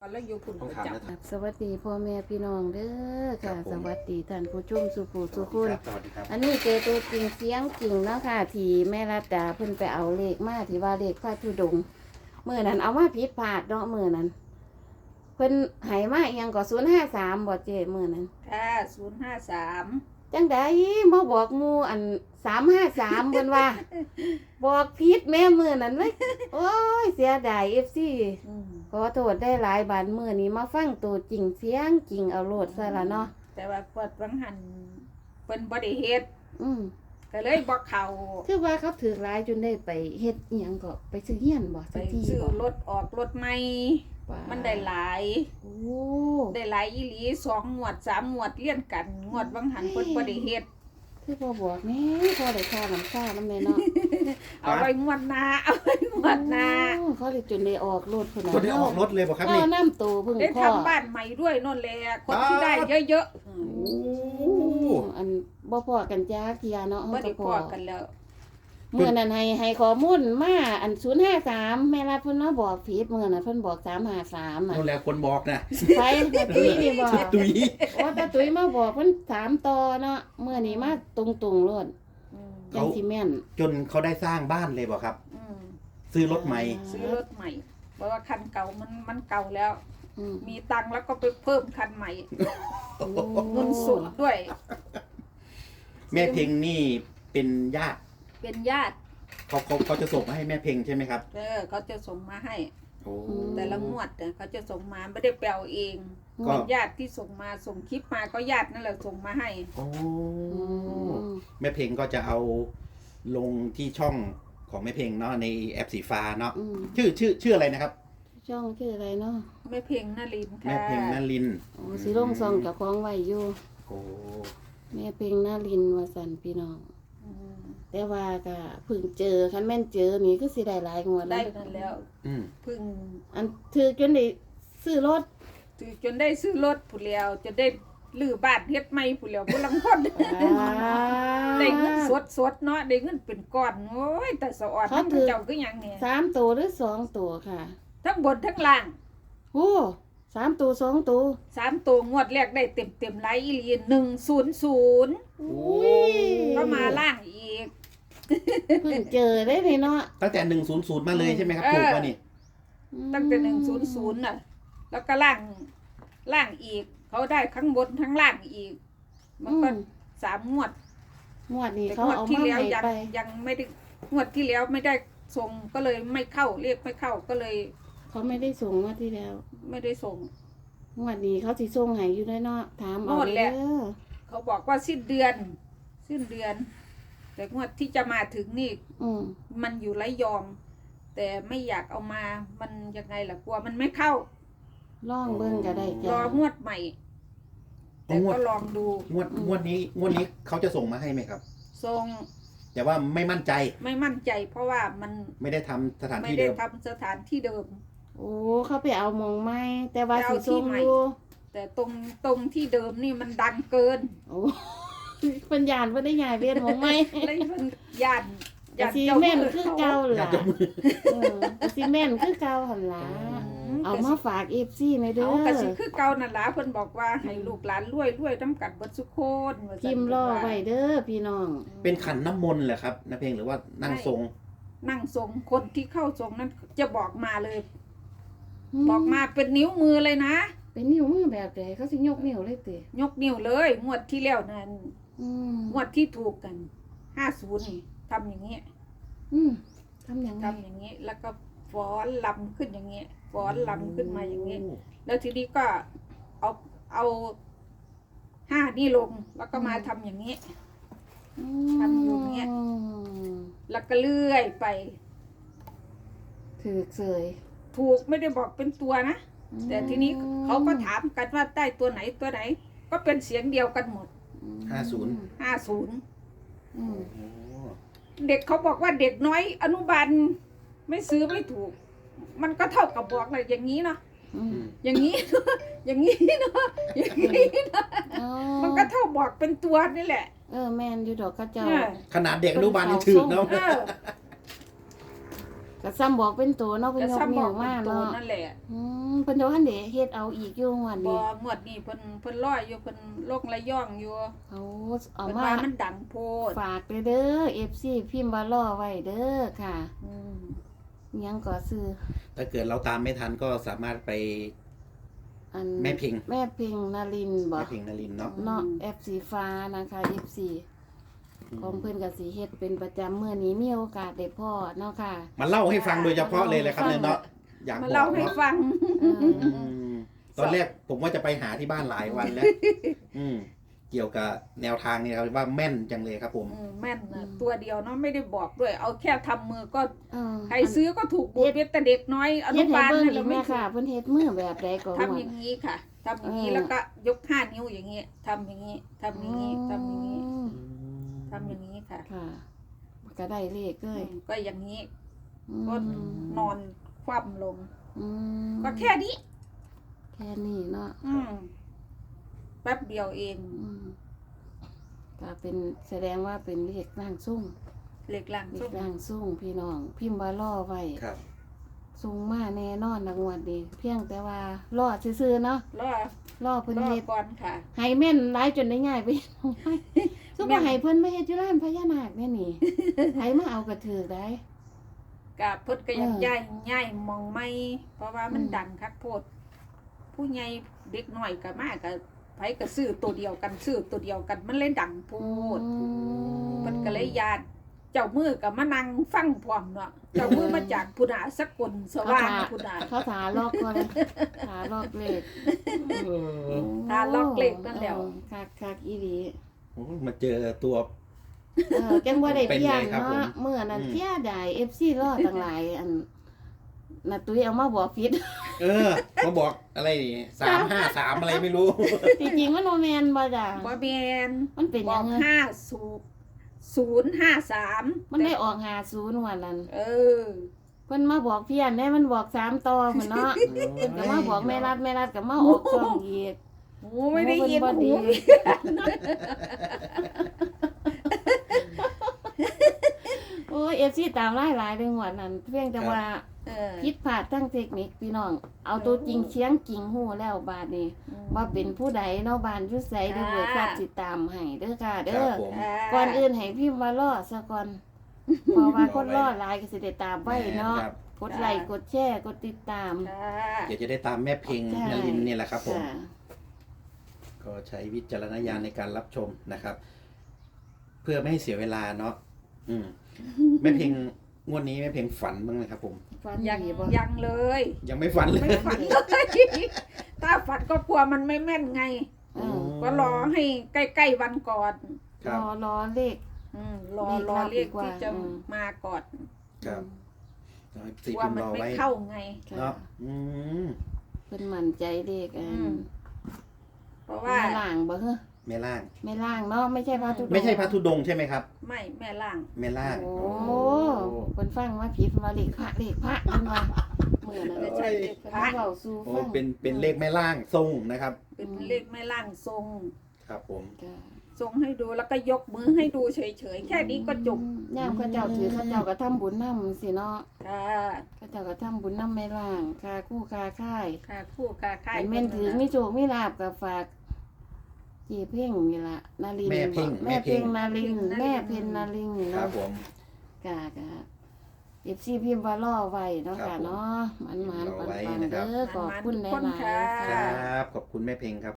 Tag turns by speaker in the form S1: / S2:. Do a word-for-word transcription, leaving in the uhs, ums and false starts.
S1: แล้วอยู่คุณประจำ
S2: สวัสดีพ่อแม่พี่น้องเด้อค่ะสวัสดีท่านผู้ชมสุภูสุขุน
S3: สวัสดีครับ
S2: อันนี้เจอตัวจริงเสียงจริงเนาะค่ะที่แม่รัตดาเพิ่นไปเอาเลขมาที่ว่าเลขพระธุดงค์มื้อนั้นเอามาผิดพลาดเนาะมื้อนั้นเพิ่นให้มาอีหยังก็ศูนย์ห้าสามบ่เจมื้อนั้น
S1: ค่ะศูนย์ห้าสาม
S2: จังได๋มาบอกหมู่อันสามห้าสามเพิ่นว่า บอกผิดแม่มื้อนั้นเว้ยโอ้ยเสียดาย เอฟ ซี ขอโทษได้หลายบาทมื้อนี้มาฟังตัวจริงเสียงจริงเอาโลดซะละเนาะ
S1: แต่ว่าปวดวังหันเป็นบ่ได้เฮ็ด
S2: อืม
S1: ก็เลยบ่เข้า
S2: คือว่าเขาถือหลายจนได้ไปเฮ็ดอีหยังก็ไปซื้อเฮียนบ่
S1: ไป
S2: ซื้อที่
S1: ซื้อ
S2: บ่
S1: รถออกรถใหม่
S2: ว้า
S1: มันได้หลาย
S2: โอ้
S1: ได้หลายอีหลีสองงวดสามงวดเลี่ยนกันงวดวังหันเพิ่นบ่ได้เฮ็ด
S2: คือบ่บอกแม่พอได้ค่าน้ำค่านำแม่เนาะ
S1: เอาไว้งวดหน้าเอาไว้งวดหน้า
S2: โอ้เขาได้จนได้ออกรถพุ่นน่ะ
S3: ตัวได้ออกรถเลยบ่ครับ
S2: เอา
S3: นี่
S2: น้ำตูเพิ่ง
S1: ได้
S2: พ่อ
S1: ทำบ้านใหม่ด้วยนั่นแหละคนที่ได้เยอะ
S3: โอ้
S2: อันบ่พอกันจ้าเทียเนาะ
S1: ๆ
S2: เฮา
S1: บ่
S2: ก็
S1: ได้
S2: พ
S1: พ
S2: อ
S1: อกันแล้ว
S2: เมื่อนั้นให้ให้ข้อมูลมาอันศูนย์ห้าสามแม่รัฐเพิ่นมาบอกผิดเมื่อนั้นเพิ่นบอกสามห้าสามอ่ะ
S3: นั่นแหละคนบอกนะ
S2: ไปแต่ตุ้ยนี่บอก
S3: ตุ้ย
S2: โอ้แต่ตุ้ยมาบอกเพิ่นถามต่อเนาะเมื่อนี้มาตรงๆโลด
S1: อืม
S2: จังสิแม่น
S3: จนเขาได้สร้างบ้านเลยบ่ครับ
S1: อืม
S3: ซื้อรถใหม่
S1: ซื้อรถใหม่เพราะว่าคันเก่ามันมันเก่าแล้ว
S2: อืม
S1: มีตังค์แล้วก็ไปเพิ่มคันใหม่
S2: โอ้
S1: เงินสดด้วย
S3: แม่เพ็งนี่เป็นญาติ
S1: เป็นญาติ
S3: เขาเขาเขาจะส่งมาให้แม่เพ็งใช่ไหมครับ
S1: เออเขาจะส่งมาให้
S3: โอ้
S1: แต่ละงวดเนี่ยเขาจะส่งมาไม่ได้แปลเอง
S3: ก็
S1: เป็นญาติที่ส่งมาส่งคลิปมาก็ญาตินั่นแหละส่งมาให้
S3: โอ้
S2: อืม
S3: แม่เพ็งก็จะเอาลงที่ช่องของแม่เพ็งเนาะในแอปสีฟ้าเนาะ
S2: อืม
S3: ชื่อชื่อชื่ออะไรนะครับ
S2: ช่องชื่ออะไรเนาะ
S1: แม่เพ็งนลินทร์
S3: แม่
S1: ค่ะ
S3: เพ็งนลินทร์
S2: โอ้สิลงซองเจ้าของไว้อยู่
S3: โอ้
S2: แม่เพ็งนารินทร์ว่าซั่นพี่น้อง
S1: อืม
S2: แต่ว่าก็เพิ่งเจอคันแม่นเจอนี่คือสิได้หลายงวด
S1: ได้
S2: แล้ว
S1: นั่นแล้ว
S3: อืม
S1: เพึ่ง
S2: อันถือจนได้ซื้อรถ
S1: ถือจนได้ซื้อรถผู้เลียวจนได้ลื้อบ้านเฮ็ดใหม่ผู้เลียวผู้ลังคน ได้เงินสดสดๆเนาะได้เงินเป็นก้อนโอ้ยแต่สะออดมันเจ้าก็ยังเนี่ย
S2: สามตัวหรือสองตัวค่ะ
S1: ทั้งบนทั้งล่าง
S2: โอ้สามตัวสองตัว
S1: สามตัวงวดแรกได้เต็มเต็มๆไลท์อีหลีหนึ่งศูนย์ศูนย์
S3: โอ้
S1: ก็มาล่างอีก
S2: เพิ่งเจอได้เลยเนาะ
S3: ตั้งแต่หนึ่งศูนย์ศูนย์มาเลยใช่ไหมครับ
S1: เออ
S3: ถูกป่ะนี่
S1: ตั้งแต่หนึ่งศูนย์ศูนย์น่ะ แล้วก็ล่างล่างอีก เขาได้ข้างบนทั้งล่างอีก มันก็สามงวด
S2: งวดนี้
S1: แต่
S2: เขา
S1: งวด
S2: เอา
S1: ที่
S2: มา
S1: แล้ว
S2: ให้
S1: ยัง
S2: ไป
S1: ยังไม่ได้งวดที่แล้วไม่ได้ส่งก็เลยไม่เข้าเรียกไม่เข้าก็เลย
S2: เขาไม่ได้ส่งงวดที่แล้ว
S1: ไม่ได้ส่ง
S2: งวดนี้เขาสิส่งให้อยู่ได้เนาะถามเอา
S1: งวดแร
S2: เด้
S1: ก
S2: อ
S1: เขาบอกว่าสิ้นเดือน สิ้นเดือน แต่งวดที่จะมาถึงนี่
S2: อืม
S1: มันอยู่ระยอง แต่ไม่อยากเอามา มันยังไงล่ะกลัวมันไม่เข้า
S2: ล่องเบิ่งก็ได้
S1: ร
S2: จ้ะ
S1: องวดใหม่ แต่ก็ลองดู
S3: งวดงวดนี้งวดนี้เขาจะส่งมาให้ไหมครับ
S1: ทรง
S3: แต่ว่าไม่มั่นใจ
S1: ไม่มั่นใจ เพราะว่ามัน
S3: ไม่ได้ทำสถาน
S1: ไม่
S3: ที่
S1: ได้
S3: เดิม
S1: ทำสถานที่เดิม
S2: โอ้เขาไปเอามองไม้แต่ว่า
S1: ไปเอา
S2: สิส่ง
S1: ที่ใหม่
S2: อยู่
S1: แต่ตรงตรงที่เดิมนี่มันดังเกิน
S2: โอ้ เพิ่นย่านเพิ่นได้ย้ายเวียนมองไม้
S1: เลยมันย่าน
S2: ก็
S1: ย่าน
S2: สิ
S1: เจ้า
S2: แม่น
S1: มือ
S2: คือ
S1: เขา
S2: เก่า
S3: อยา
S2: ล่ะ
S3: กจะมือ
S2: เออก็สิแม่นคือเก่าหั่นล่ะ เอามาฝาก เอฟ ซี ในอยเด้อ
S1: เอากระสิคือเก่านั่นล่ะเพิ่นบอกว่าให้ลูกหลานรวยรวยน้ำกัดเบิดสุโคนว่าซั่น
S2: พิมพ์รอไว้เด้อพี่น้อง
S3: เป็นขันน้ำมนต์เหรอครับนาเพลงหรือว่านั่งทรง
S1: นั่งทรงคนที่เข้าทรงนั้นจะบอกมาเลย บอกมาเป็นนิ้วมือเลยนะ
S2: เป็นนิ้วมือแบบใดเขาสิยกนิ้วเลยติ
S1: ยกนิ้วเลย งวดที่แล้วนั่น
S2: อืม
S1: งวดที่ถูกกันห้าสิบนี่ทำอย่างเงี้ย
S2: อืมทำยังไง
S1: ทำอย่างเงี้ยแล้วก็ฟ้อนลำขึ้นอย่างเงี้ยฟ้อนลำขึ้นมาอย่างเงี้ยแล้วทีนี้ก็เอาเอาห้านี่ลงแล้วก็มาทำอย่างเงี้ย ทำอยู่เงี้ย แล้วก็เลื่อยไป
S2: ถือเสย
S1: ถูกไม่ได้บอกเป็นตัวนะ แต่ทีนี้เขาก็ถามกันว่าได้ตัวไหนตัวไหน ก็เป็นเสียงเดียวกันหมด
S3: ห้าศูนย์
S1: ห้าศูนย์
S2: อืม
S3: โอ้
S1: เด็กเขาบอกว่าเด็กน้อย อนุบาลไม่ซื้อไม่ถูก มันก็เท่ากับบอกเลยอย่างนี้เนาะ
S2: อืม
S1: อย่างนี้ อย่างนี้เนาะอย่างนี้เนาะ
S2: อ๋อ
S1: มันก็เท่าบอกเป็นตัวนี่แหละ
S2: เออแม่นอยู่ดอกเขาเจ้า
S1: เออ
S3: ขนาดเด็กอนุบาลยังถึกเนาะ
S1: เออ
S2: ก็ซ้ำบอกเป็นตัวเนาะเพิ่น
S1: ก็
S2: ยก
S1: ซ้ำบ
S2: นิ้
S1: อ
S2: ว
S1: กเป็
S2: มาน
S1: ตัว
S2: เนาะ
S1: นั่นแหละ
S2: อืมเพิ่นเดี๋ยวหันเดเฮ็ดเอาอีกอยู่งวด
S1: บ่
S2: นี้
S1: งวดนี้เพิ่นเพิ่นรออยู่เพิ่นโลกระย่องอยู่
S2: เอาเอา
S1: เพิ่น
S2: มา
S1: ว่ามันดังโพด
S2: ฝากเด้อ เอฟ ซี พิมพ์ว่ารอไว้เด้อค่ะ
S1: อืม
S2: อิหยังก็ซื้อ
S3: ถ้าเกิดเราตามไม่ทันก็สามารถไป
S2: อัน
S3: แม่พิง
S2: แม่พิงนารินทร์บ่
S3: แม่พิงนลินทร์เนาะ
S2: เนาะแอปสีฟ้านะคะ เอฟ ซี ของเพิ่นก็สิเฮ็ดเป็นประจำมื้อนี้มีโอกาสได้พ้อเนาะค่ะ
S3: มาเล่าให้ฟังโดยเฉพาะเลยเลยครับเนี่ยเนาะอยาก
S1: มา
S3: บอ
S1: เล่าก ให้
S3: เนาะ
S1: ฟัง
S2: เออ
S3: อืมตอนแรกผมว่าจะไปหาที่บ้านหลายวันแล้ว อืมเกี่ยวกับแนวทางเนี่ยครับว่าแม่นจังเลยครับผม
S1: อืมแม่นนะตัวเดียวเนาะไม่ได้บอกด้วย เอาแค่ทำมือก็
S2: เออ
S1: ใครซื้อก็ถูกบวชเบ็ดแต่เด็กน้อยอ
S2: เฮ็
S1: นุ
S2: ดให้
S1: บาล
S2: เบิ่ง
S1: นั่น
S2: อี
S1: เรา
S2: ก
S1: ไม่
S2: แม่
S1: ถู
S2: ค่ะ
S1: ก
S2: เพิ่นเฮ็ดมือแบบใดก็
S1: ทำอย่างนี้ค่ะทำอย่างนี้
S2: เออ
S1: แล้วก็ยกห้านิ้วอย่างนี้ทำอย่างนี้ทำอย่างนี้ทำอย่างนี้
S2: อืม
S1: ทำอย่างนี้ค่ะ
S2: ค่ะก็ได้เลขเลย
S1: อืมก็อย่างนี้
S2: อืม
S1: ก็นอนคว่ำลง
S2: อืม
S1: ก็แค่นี้
S2: แค่นี้เนาะ
S1: อืมแป๊บเดียวเอง
S2: อืมก็เป็นแสดงว่าเป็นเลขร่างสุ่ง
S1: เหล็กหลัง
S2: เล
S1: ส้
S2: ข
S1: ม
S2: ร่างสุ่งพี่น้อง พิมพ์ว่าล่อไว้
S3: ครับ
S2: สุ่งมาแน่นอนนะงวดนี้เพียงแต่ว่าล่อซื่อๆเนาะ
S1: รอ
S2: ล่อเพิ่น
S1: รอ
S2: เฮ็ด
S1: ก่อนค่ะ
S2: ให้แม่นหลายจนได้ง่ายไป ซุป
S1: แม่
S2: ว่าน ให้เพิ่นมาเฮ็ดอยู่ร้านพญานาคแน่นี่ ให้มาเอากระถือได้
S1: กับเพิ่นก็ยัง
S2: เออ
S1: ย้ายย้ายมองไม่เพราะว่ามัน
S2: อืม
S1: ดังคักโพด ผู้ใหญ่เด็กน้อยก็มากก็ไผก็ซื้อตัวเดียวกันซื้อตัวเดียวกันมันเลยดังโพด
S2: อืม
S1: มันก็เลยยานเจ้ามือก็มานั่งฟังพร้อมเนาะเจ้ามือมาจากพุนาสกลสว่างพุนา
S2: เขาถาลอกก่อนถาลอกเลข
S1: ถาลอกเลขนั่นแหละ
S2: เออคักๆอีหลี
S3: โอ้มาเจอตัว
S2: เออจังบ่ได้เพียง
S3: เป็นไงครับผม
S2: เนาะเมื่อนั้น
S3: อืม
S2: เที่ยได้ เอฟ ซี รอตั้งหลายอันน่ะตุ้ยเอามาบอกผิด
S3: เออมาบอกอะไรนี่สามห้าสามอะไรไม่รู้
S2: จริงๆมันบ่แม่นบ่จ้ะ
S1: บ่แม่น
S2: มันเป็น
S1: บ
S2: หยั
S1: อง ก
S2: ไง
S1: ห้าศูนย์ศูนย์ห้าสาม
S2: มันได้ออกห้าศูนย์วันนั้น
S1: เออ
S2: เพิ่นมาบอกเพี้ยนได้มันบอกสามต่อพุ่นเนาะ เพิ่นก็มาบอกแม่รัดแม่รัดก็มาออกช่องอีก
S1: หูไม่ได้ยิน
S2: โอ้
S1: หู
S2: เพิ่นบ่ดีโอ้ย เอฟ ซี ตามหลายๆเรื่องวันนั้นเพียงแต่ว่า
S1: เออ
S2: ผิดพลาดทั้งเทคนิคพี่น้อง เอาตัวจริงเชียงจริงฮู้แล้วบาดนี้ว่าเป็นผู้ใดเนาะบ้านอยู่ไสเด้อเบิดทราบสิตามให้เด้อค่ะ
S3: ค
S2: เด้
S3: รั
S2: อ
S3: บผม
S2: ก่อนอื่นให้พิมพ์ว่ารอซะก่อน เพราะว่าคนรอหลายก็สิได้ตามไว้เนาะ
S3: ครับ
S2: กดไลค์กดแชร์กดติดตาม
S1: ค่ะ
S3: เดี๋ยวจะได้ตามแม่เพิง
S2: ใช่
S3: นลินทร์เนี่ยแหละครับผม
S2: ค่ะ
S3: ก็ใช้วิจารณญาณในการรับชมนะครับ เพื่อไม่ให้เสียเวลาเนาะอืมแม่เพิงงวดนี้แม่เพิงฝันบ้างไหมครับผม
S2: ฟัน
S1: ยัง
S2: ดีบ่
S1: ยังเลย
S3: ยังไม่ฝันเลย
S1: ไม่ฝันเลย ถ้าฝันก็กลัวมันไม่แม่นไง
S2: เออ
S1: ก็รอให้ใกล้ๆวันก่อน
S3: ค
S2: ร
S3: รับ
S2: อรอเลข
S1: อืมรอ
S2: เลข
S1: รอ
S2: ลับ
S1: เรียก
S2: ดีกว่า
S1: ที่จะ
S2: อืม
S1: มาก่อน
S3: ครับสี
S1: กลัว
S3: พิมพ์
S1: มัน
S3: รอ
S1: ไม่
S3: ไว้
S1: เข้าไง
S2: ค่ะ
S3: เนาะอืม
S2: เพิ่นมั่นใจเลขอั
S1: อื
S2: น
S1: ม เพราะว่า
S2: แม่ล่างบ่เฮ้อ
S3: แม่ล่าง
S2: แม่ล่างเนาะไม่ใช่พระธุดงค์
S3: ไม่ใช่พระธุดงค์ใช่ไหมครับ
S1: ไม่แม่ล่าง
S3: แม่ล่าง
S2: โอ้
S3: โอ้
S2: เพิ่นฟังว่าผิดว่าเลขพระเลขพระเพิ่นว่ามื้อนั้น
S1: ไม่
S2: เ
S1: ใช่เลข
S2: พิ่น
S1: พระ
S2: มาเว้าสู่
S3: โอ้
S2: ฟัง
S3: เป็นเป็นเลขแม่ล่างทรงนะครับ
S1: เป็นเลขแม่ล่างทรง
S3: ครับผม
S2: จ้ะ
S1: ทรงให้ดูแล้วก็ยกมือให้ดูเฉยๆแค่นี้ก็จบ
S2: ยามเขาเจ้าถือเขาเจ้าก็ทำบุญนำสิเนาะ
S1: ค่ะ
S2: เขาเจ้าก็ทำบุญนำแม่ล่างค่าคู่ค่าค่าย
S1: ค่ะคู่ค่ะค่าย
S2: ให้แม่นถือมีโชคมีลาภก็ฝากเจีเพ่งนี่ล่ะนารินทร์
S3: แม่เพ่ง
S2: แม่เพ่งนารินทร์
S1: แม่
S2: แม่
S1: เพ่
S2: เพ่
S1: ง
S2: งนารินทร์
S3: ครั
S2: เนาะ
S3: บผม
S2: กะกะเอฟซีพิมพ์ว่าล่อไว้เนาะ
S3: ครั
S2: ค่ะ
S3: บผม
S2: เนาะมันมัน
S3: รอ
S2: ปัน
S3: ไว้
S2: ปัน
S3: นะครับ
S2: เด้อขอบคุณหลายๆ
S1: ค่ะ
S3: ครับ ขอบคุณแม่เพ็งครับ